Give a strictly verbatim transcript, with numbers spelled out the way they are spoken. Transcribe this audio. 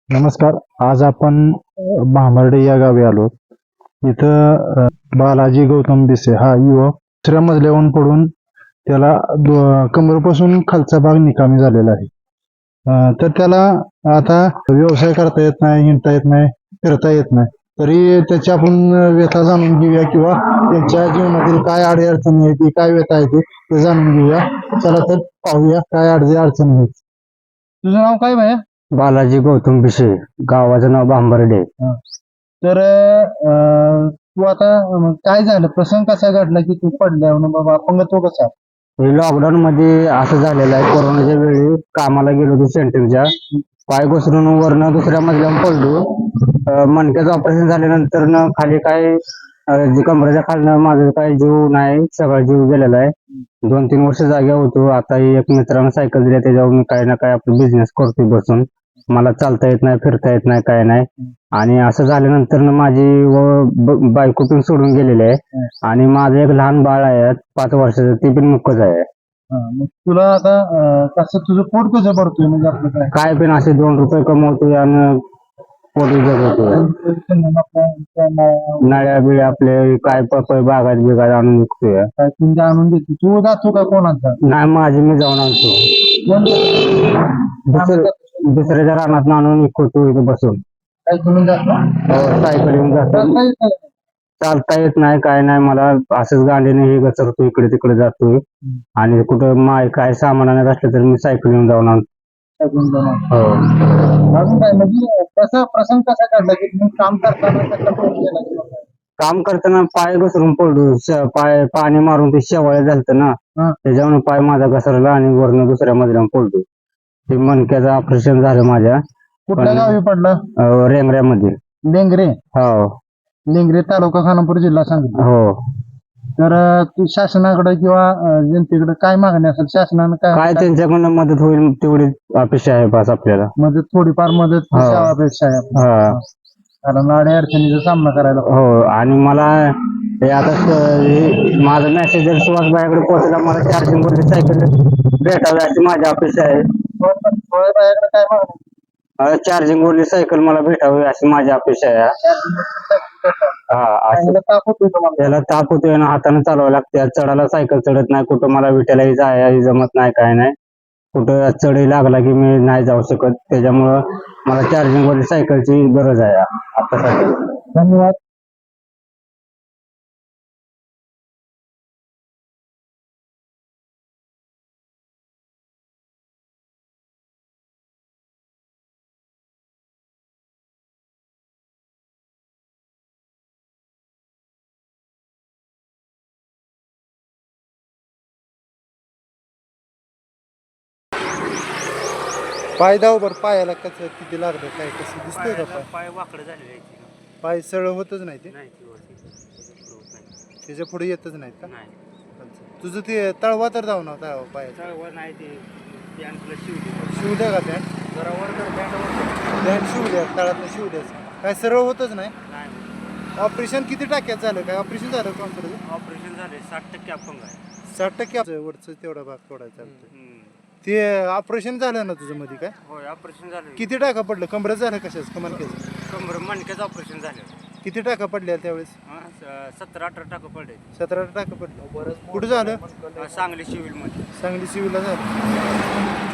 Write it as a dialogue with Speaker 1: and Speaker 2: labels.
Speaker 1: नमस्कार. आज आपण अ, भांबर्डे या गावी आलो. इथं अ, बालाजी गौतम बिसे हा युवक दुसऱ्या मजल्यावरून पडून त्याला दो- कमरेपासून खालचा भाग निकामी झालेला आहे. अ, तर त्याला आता व्यवसाय करता येत नाही, हिंडता येत नाही, फिरता येत नाही. तरी त्याची आपण व्यथा जाणून घेऊया किंवा त्यांच्या जीवनातील काय अडचणी आहेत, ती काय व्यथा आहे ती ते जाणून घेऊया. चला तर पाहूया काय अडचणी अडचणी आहेत. तुझं नाव काय भैया?
Speaker 2: बालाजी गौतम बिशे, गावाचं नाव भांबर्डे.
Speaker 1: तर अं, तू आता अं, काय झालं, प्रसंग कसा घडला की तू पडल्यावर बाबा अपंगत्व कसा?
Speaker 2: हे लॉकडाऊन मध्ये असं झालेलं आहे. कोरोनाच्या वेळी कामाला गेलो होतो सेंटरच्या, पाय घसरून वरनं दुसऱ्या मजल्यावर पडलो. अं, मणक्याचं ऑपरेशन झाल्यानंतर न खाली काय अं, जे कमरेच्या खालनं माझं काही जीव नाही, सगळा जीव गेलेला आहे. दोन तीन वर्ष जाग्या होतो. आता एक मित्रानं सायकल दिली, त्याच्यावर मी काही ना काही आपला बिझनेस करतोय बसून. मला चालता येत नाही, फिरता येत नाही, काय नाही. आणि असं झाल्यानंतर न माझी व ब- बायको पण सोडून गेलेली आहे. आणि माझं एक लहान बाळ आहे पाच वर्षाचं, ते पण मुकच आहे.
Speaker 1: हा, मग तुला आता अं, कसं तुझं पोट कसं भरतोय म्हणजे आपलं काय?
Speaker 2: काय पण असे दोन रुपये कमवतोय आणि पोटी जगवतोय. नळ्या बिळ्या आपले काय पपई बागात बिगात आणून विकतोय.
Speaker 1: काय तुमच्या आणून देते तू जातो का कोणाचा?
Speaker 2: नाही, माझी मी जाऊन आणतो.
Speaker 1: कोण जातं?
Speaker 2: दुसरं दुसऱ्याच्या रानात आणून विकतो इथे बसून.
Speaker 1: काय तुम्ही जातो?
Speaker 2: हो, सायकल येऊन जातो.
Speaker 1: चालता येत नाही.
Speaker 2: चालता येत नाही, काय नाही. मला असंच गांडीने हे घसरतो, इकडे तिकडे जातोय. आणि कुठं माय काय सामान आणायचं असलं तर मी सायकल येऊन जाऊन आणतो.
Speaker 1: काय तुम्ही जाणार?
Speaker 2: हो.
Speaker 1: अजून काय म्हणजे कसा प्रसंग कसा घडला की तुम्ही काम करताना कसा पोट गेला किंवा काय?
Speaker 2: काम करताना पाय घसरून पडलो. श- पाय पाणी मारून ते शेवाळे झालत ना,
Speaker 1: हा.
Speaker 2: त्याच्यावर पाय माझा घसरला आणि वरनं दुसऱ्या मजल्यावर पडलो. ते मणक्याचं ऑपरेशन झालं माझ्या
Speaker 1: कुठल्या
Speaker 2: पण-
Speaker 1: गावी पडला?
Speaker 2: अं, रेंगऱ्यामध्ये.
Speaker 1: लेंगरे.
Speaker 2: हो
Speaker 1: लेंगरे तालुका खानापूर जिल्हा सांगली.
Speaker 2: हो.
Speaker 1: तर अं, तू शासनाकडे किंवा अं, जनतेकडे काय मागणी असेल शासनानं
Speaker 2: काय
Speaker 1: काय
Speaker 2: त्यांच्याकडनं मदत होईल तेवढी अपेक्षा आहे बस आपल्याला.
Speaker 1: मदत थोडीफार मदत
Speaker 2: हा.
Speaker 1: सेवा अपेक्षा आहे आपल्याला.
Speaker 2: हा.
Speaker 1: कारण अडी अडचणीचा सामना करायला लागतो.
Speaker 2: हो. आणि मला हे आता स- हे माझा मेसेज जर सुहासबाईकडे पोहोचला, मला चार्जिंग वरती सायकल भेटावी अशी माझी अपेक्षा आहे.
Speaker 1: बायाकडे काय मागणी?
Speaker 2: चार्जिंग वरली सायकल मला भेटावी अशी माझी अपेक्षा आहे. हा, असं.
Speaker 1: चांगलं ताप होतोय तुम्हाला?
Speaker 2: त्याला ताप होतोय ना, हाताने चालवावं लागते. चढायला सायकल चढत नाही, कुठं मला विटायलाही जायला जमत नाही, काय नाही. कुठं चढही लागला की मी नाही जाऊ शकत. त्याच्यामुळं मला चार्जिंग वरली सायकलची गरज आहे आतासाठी.
Speaker 1: धन्यवाद. पाय दाव बर पायाला कसं किती लागलं काय कसं दिसतंय का पाय?
Speaker 3: पाय वाकडे झालेले आहेत ते.
Speaker 1: पाय सरळ होतच नाही ते
Speaker 3: नाही ते वरती होत नाही.
Speaker 1: त्याच्या पुढे येतच नाहीत का?
Speaker 3: नाही
Speaker 1: अच्छा. तुझं ते तळवा तर जाऊ ना तळवा पाय
Speaker 3: चळवळ नाही ते पॅन्ट प्लस शिवली
Speaker 1: शिव द्या का पॅन्ट
Speaker 3: जरा वर कर पॅन्ट
Speaker 1: पॅन्ट शिव द्या तळातलं शिव द्या. काय सरळ होतच नाही.
Speaker 3: नाही
Speaker 1: ऑपरेशन किती टक्क्यात झालं काय ऑपरेशन झालं कॉम्प्युटर?
Speaker 3: ऑपरेशन झाले साठ टक्के अपंग आहे.
Speaker 1: साठ टक्के वरचं तेवढा भाग तोडायचा चालतोय.
Speaker 3: हम्म.
Speaker 1: ते ऑपरेशन झालं ना तुझं मध्ये काय
Speaker 3: होय ऑपरेशन झालं.
Speaker 1: किती टाका पडलं कमरत झालं कशाच कमाल केलं
Speaker 3: कमर मणक्याचं ऑपरेशन झालं.
Speaker 1: किती टाका पडल्या त्यावेळेस?
Speaker 3: हा, स- सतरा अठरा टाकं पडले.
Speaker 1: सतरा टाका पडलं कुठं झालं?
Speaker 3: हा, सांगली सिव्हिल मध्ये.
Speaker 1: सांगली सिव्हिलला झालं.